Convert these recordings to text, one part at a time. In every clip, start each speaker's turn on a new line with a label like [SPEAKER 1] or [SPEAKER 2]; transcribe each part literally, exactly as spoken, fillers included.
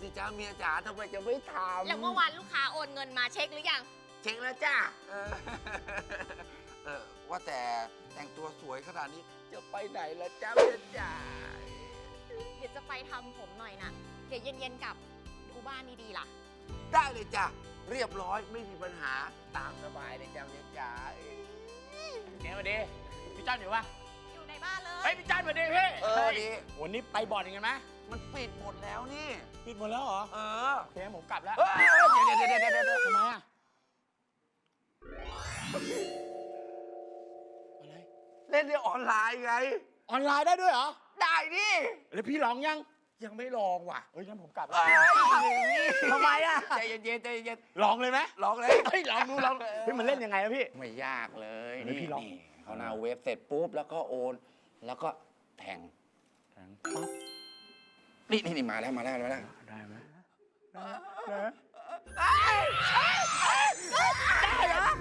[SPEAKER 1] สิจ้าเมียจ๋าทำไมจะไม่ทำ
[SPEAKER 2] แล้วเมื่อวานลูกค้าโอนเงินมาเช็คหรือยัง
[SPEAKER 1] เช็คแล้วจ้าเออเออว่าแต่แต่งตัวสวยขนาดนี้จะไปไหนล่ะจ้าเมียจ๋า
[SPEAKER 2] เดี๋ยวจะไปทำผมหน่อยนะเดี๋ยวเย็นๆกลับดูบ้านดีๆล่ะ
[SPEAKER 1] ได้เลยจ้ะเรียบร้อยไม่มีปัญหาตามสบายเลยจ้าเมียจ๋า
[SPEAKER 3] เดี๋ยวมาดีพี่จ้านอยู่ปะ
[SPEAKER 2] อยู่ในบ้านเลย
[SPEAKER 3] เฮ้ยพี่จ้านมาดีพี่
[SPEAKER 1] เออดี
[SPEAKER 3] วันนี้ไปบ่อนยังไงไหม
[SPEAKER 1] มันปิดหมดแล้วนี่
[SPEAKER 3] ปิดหมดแล้วเหรอ
[SPEAKER 1] เออ
[SPEAKER 3] โอเคผมกลับแล้ว
[SPEAKER 1] เดี๋ยวเดี๋ยวเดี๋ยวเดี๋ยวเดี๋ยว
[SPEAKER 3] ทำไมอะอะไร
[SPEAKER 1] เล่นในออนไลน์ไง
[SPEAKER 3] ออนไลน์ได้ด้วยเหรอ
[SPEAKER 1] ได้ดิ
[SPEAKER 3] แล้วพี่ลองยัง
[SPEAKER 1] ยังไม่ลองว่ะ
[SPEAKER 3] เฮ้ยงั้นผมกลับ
[SPEAKER 1] แล้ว
[SPEAKER 3] ทำไมอะ
[SPEAKER 1] ใจเย็นๆใจเย็น
[SPEAKER 3] ลองเลยไหม
[SPEAKER 1] ลองเลย
[SPEAKER 3] เฮ้ยลองดูลองเฮ้ยมันเล่นยังไงอะพี่
[SPEAKER 1] ไม่ยากเลย
[SPEAKER 3] นี่พี่ลอง
[SPEAKER 1] เขาหน้าเว็บเสร็จปุ๊บแล้วก็โอนแล้วก็แทง
[SPEAKER 3] แทงปั๊บ
[SPEAKER 1] นี่นี่นี่มาแล้วมาแล้วมาแล้ว
[SPEAKER 3] ได้ไหมได้ได้เหรอ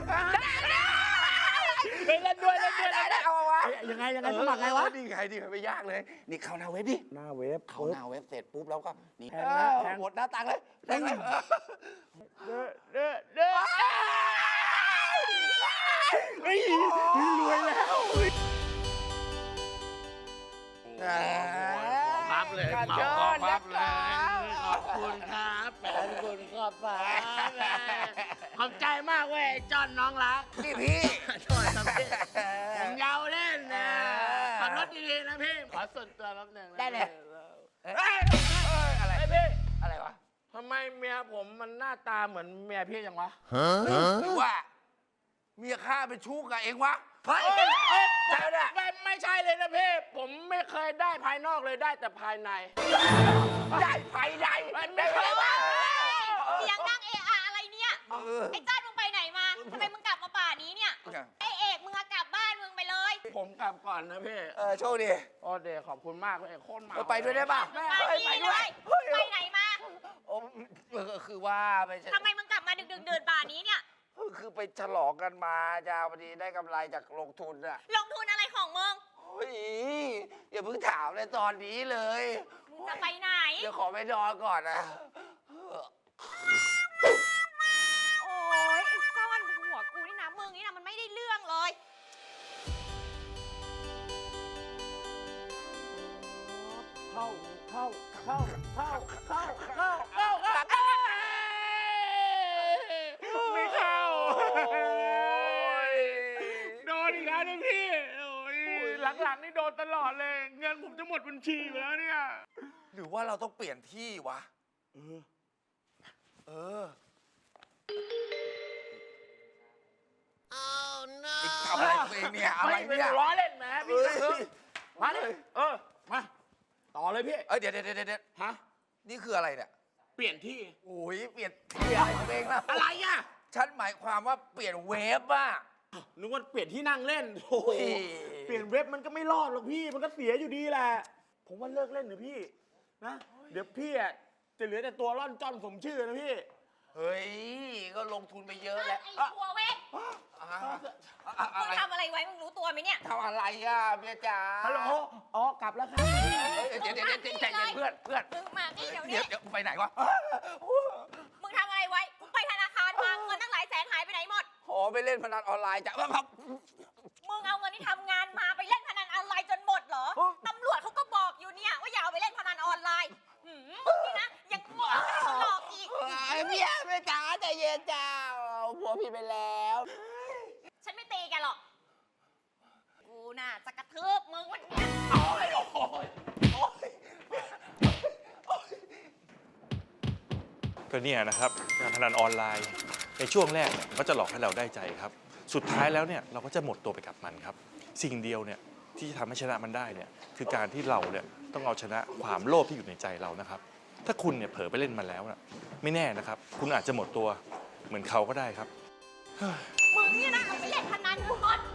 [SPEAKER 3] ได้เล่นด้วยเล่นด้วยได้
[SPEAKER 1] เอาวะ
[SPEAKER 3] ยังไงยังไงสมัครไงวะ
[SPEAKER 1] นี่ไงดิไม่ยากเลยนี่เข้าหน้าเว็บดิ
[SPEAKER 3] หน้าเว็บ
[SPEAKER 1] เข้าหน้าเว็บเสร็จปุ๊บแล้วก็นี่
[SPEAKER 3] แทงนะแทง
[SPEAKER 1] หมดหน้าตังเลยแทงเลย
[SPEAKER 3] เด้อเด้อเด้อเฮ้ยรวยแล้ว
[SPEAKER 1] พับเลยเหมาพับเลย
[SPEAKER 3] ขอบคุณครับแฟนคุณขอบฟ้าขอบใจมากเว้ยจอนน้องรัก
[SPEAKER 1] พี่พี่
[SPEAKER 3] โทษครับพี่ผมยาวเล่นนะขับรถดีๆนะพี่ขอส่วนตัวแป๊บหนึ่ง
[SPEAKER 1] ได้เลย
[SPEAKER 3] อะไรพี่
[SPEAKER 1] อะไรวะ
[SPEAKER 3] ทำไมเมียผมมันหน้าตาเหมือนเมียพี่จังวะ
[SPEAKER 1] หรือว่าเมียข้าเป็นชู้กับเองวะเฮ้ยใช่เนี่ย
[SPEAKER 3] ไม่ไม่ใช่เลยนะพี่ผมไม่เคยได้ภายนอกเลยได้แต่ภายใน
[SPEAKER 1] ได้ภายใน
[SPEAKER 2] ได้ไหมวะเสียงดังเอะอะอะไรเนี่ยไอ้จ้านมึงไปไหนมาทำไมมึงกลับมาป่านี้เนี่ยไอ้เอกมึงกลับบ้านมึงไปเลย
[SPEAKER 3] ผมกลับก่อนนะพี่
[SPEAKER 1] เออโชคดี
[SPEAKER 3] โอ้เดขอบคุณมากเลยโคตรมา
[SPEAKER 1] ไปด้วยได้ป่ะ
[SPEAKER 2] ไปด้วยไปไหนมา
[SPEAKER 1] โอ้คือว่าไป
[SPEAKER 2] ทำไมมึงกลับมาดึกๆเดินป่านี้เนี่ย
[SPEAKER 1] คือไปฉลองกันมาจ้าพอดีได้กำไรจากลงทุนอะ
[SPEAKER 2] ลงทุนอะไรของมึง
[SPEAKER 1] เฮ้ยอย่าเพิ่งถามเลยตอนนี้เลย
[SPEAKER 2] มึงจะไปไหน
[SPEAKER 1] เดี๋ยวขอไปนอนก่อนนะ
[SPEAKER 2] โอ้ยไอ้จ้อนหัวกูนี่นะมึงนี่นะมันไม่ได้เรื่องเลย
[SPEAKER 3] เข้าเข้าเข้าเข้าเข้าเข้าเข้าเข้าไม่เข้าโดนอีกแล้วนะพี่หลังๆนี่โดนตลอดเลยเงินผมจะหมดบัญชีไปแล้วเนี่ย
[SPEAKER 1] หรือว่าเราต้องเปลี่ยนที่วะ
[SPEAKER 3] เออ
[SPEAKER 1] เออทำอะไรตัวเองเนี่ยอะไรเนี่ย
[SPEAKER 3] ล้อเล่นแหมพี่มาเลยเออมาต่อเลยพี่
[SPEAKER 1] เอ้ยเดี๋ยวเดี๋ยวเดี๋ยว
[SPEAKER 3] ฮะ
[SPEAKER 1] นี่คืออะไรเนี่ย
[SPEAKER 3] เปลี่ยนที่
[SPEAKER 1] โอ้ยเปลี่ยนที่อะไรตัวเองนะ
[SPEAKER 3] อะไรอ่ะ
[SPEAKER 1] ฉันหมายความว่าเปลี่ยนเวฟอ่ะ
[SPEAKER 3] นึกว่าเปลี่ยนที่นั่งเล่นโอ้ยเปลี่ยนเว็บมันก็ไม่รอดหรอกพี่มันก็เสียอยู่ดีแหละผมว่าเลิกเล่นเถอะพี่นะเดี๋ยวพี่อ่ะจะเหลือแต่ตัวร่อนจ้อนสมชื่อนะพี่
[SPEAKER 1] เฮ้ยก็ลงทุนไปเยอะแล้ว
[SPEAKER 2] ไอ้ตัวเว็บมึงทำอะไรไว้มึงรู้ตัวไหมเนี่ย
[SPEAKER 1] ทำอะไรอ่ะเมียจ๋า
[SPEAKER 3] ฮัลโหลอ๋อกลับแล้วครับ
[SPEAKER 1] เดี๋ยวเดี๋ยวเดี๋ยวใจเย็นเพื่อนเพื่อน
[SPEAKER 2] มึงมานี่เดี๋ยวนี้
[SPEAKER 1] เดี๋ยวไปไหนวะ
[SPEAKER 2] มึงทำอะไรไว้มึงไปธนาคารมาเงินตั้งหลายแสนหายไปไหนหมด
[SPEAKER 1] โอ้ไปเล่นพนันออนไลน์จ้ะครับ
[SPEAKER 2] มึงเอาเงินที่ทำงานมาไปเล่นพนันออนไลน์จนหมดเหรอตำรวจเขาก็บอกอยู่เนี่ยว่าอย่าเอาไปเล่นพนันออนไลน์นี่นะยังหลอกหลอกอีก
[SPEAKER 1] เมียเมียจ๋าใจเย็นจ้าผัวพี่ไปแล้ว
[SPEAKER 2] ฉันไม่ตีแกหรอกกูน่ะจะกระทืบมึงวันนี้
[SPEAKER 1] โอ้ยโอ้ยโอ้ย
[SPEAKER 4] ก็เนี่ยนะครับการพนันออนไลน์ในช่วงแรกเนี่ยมันก็จะหลอกให้เราได้ใจครับสุดท้ายแล้วเนี่ยเราก็จะหมดตัวไปกับมันครับสิ่งเดียวเนี่ยที่จะทำให้ชนะมันได้เนี่ยคือการที่เราเนี่ยต้องเอาชนะความโลภที่อยู่ในใจเรานะครับถ้าคุณเนี่ยเผลอไปเล่นมันแล้วนะไม่แน่นะครับคุณอาจจะหมดตัวเหมือนเขาก็ได้ครับ
[SPEAKER 2] มึงเนี่ยนะเอาไปเล่นพนันหมด